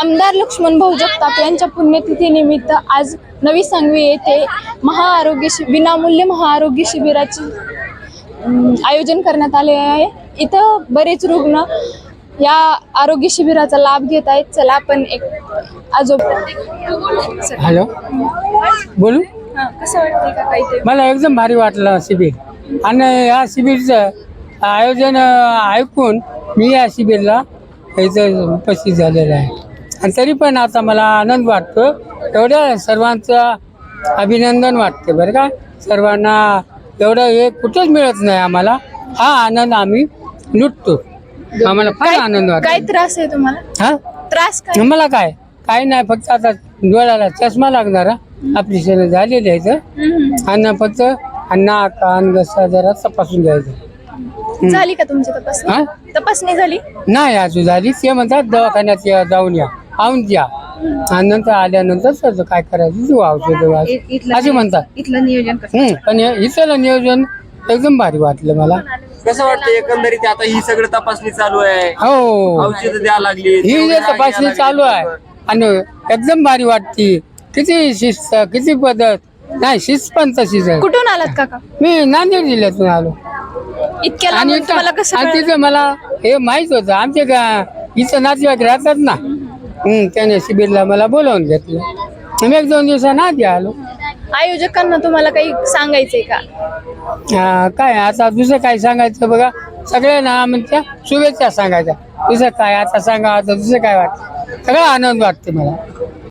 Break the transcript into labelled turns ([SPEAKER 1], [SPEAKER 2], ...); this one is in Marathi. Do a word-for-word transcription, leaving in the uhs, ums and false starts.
[SPEAKER 1] आमदार लक्ष्मण भाऊ जगताप यांच्या पुण्यतिथीनिमित्त आज नवी सांगवी येथे महाआरोग्य शि विनामूल्य महाआरोग्य शिबिराचे अं, आयोजन करण्यात आले आहे। इथं बरेच रुग्ण या आरोग्य शिबिराचा लाभ घेत आहेत। चला आपण एक आजोबा
[SPEAKER 2] हॅलो बोलू
[SPEAKER 1] हा, कसं वाटतं का काही ते
[SPEAKER 2] मला एकदम भारी वाटलं शिबिर आणि या शिबिरचं आयोजन अं, ऐकून मी या शिबिरला इथं उपस्थित झालेलं आहे आणि तरी पण आता मला आनंद वाटतो। एवढ्या सर्वांचं अभिनंदन वाटते बरं का। सर्वांना एवढं हे कुठंच मिळत नाही आम्हाला, हा आनंद आम्ही लुटतो। आम्हाला फार आनंद
[SPEAKER 1] काय
[SPEAKER 2] वाटतो।
[SPEAKER 1] त्रास आहे तुम्हाला?
[SPEAKER 2] हा
[SPEAKER 1] त्रास काय?
[SPEAKER 2] मला काय काही नाही, फक्त आता डोळ्याला चष्मा लागणारा ऑपरेशन झालेलं आहे इथं
[SPEAKER 1] हम्म.
[SPEAKER 2] आणि फक्त नाक कान घसा जरा तपासून घ्यायचं।
[SPEAKER 1] झाली का तुमची तपासणी?
[SPEAKER 2] हा
[SPEAKER 1] तपासणी झाली?
[SPEAKER 2] नाही अजून झाली, ते म्हणतात दवाखान्यात या जाऊन या आऊन द्या आणि नंतर आल्यानंतर सगळं काय करायचं तू औषध असे म्हणतात।
[SPEAKER 1] इथलं नियोजन
[SPEAKER 2] हम्म पण हे- इथलं नियोजन एकदम भारी वाटलं मला।
[SPEAKER 3] कसं वाटतं एकंदरीत आता ही सगळं तपासणी चालू आहे,
[SPEAKER 2] हो
[SPEAKER 3] औषध द्या लागली,
[SPEAKER 2] ही जे तपासणी चालू आहे आणि एकदम भारी वाटते। किती शिस्त किती पद्धत नाही, शिस्त पण तशीच आहे।
[SPEAKER 1] कुठून आलात काका?
[SPEAKER 2] मी नांदेड जिल्ह्यातून आलो
[SPEAKER 1] इतक्या
[SPEAKER 2] आणि
[SPEAKER 1] लांबून तुम्हाला कसं
[SPEAKER 2] आणि
[SPEAKER 1] कळलं?
[SPEAKER 2] तिथं मला हे माहित होतं, आमचे का इथं नातेवाईक राहतात ना, हम्म त्याने शिबिरला मला बोलावून घेतलं। मी एक दोन दिवसांना आधी आलो।
[SPEAKER 1] आयोजकांना तुम्हाला काही सांगायचंय का?
[SPEAKER 2] हा, काय आता दुसरं काय सांगायचं बघा, सगळ्यांना म्हणजे शुभेच्छा सांगायच्या। दुसरं काय आता सांगा, आता दुसरं काय वाटतं, सगळं आनंद वाटते मला।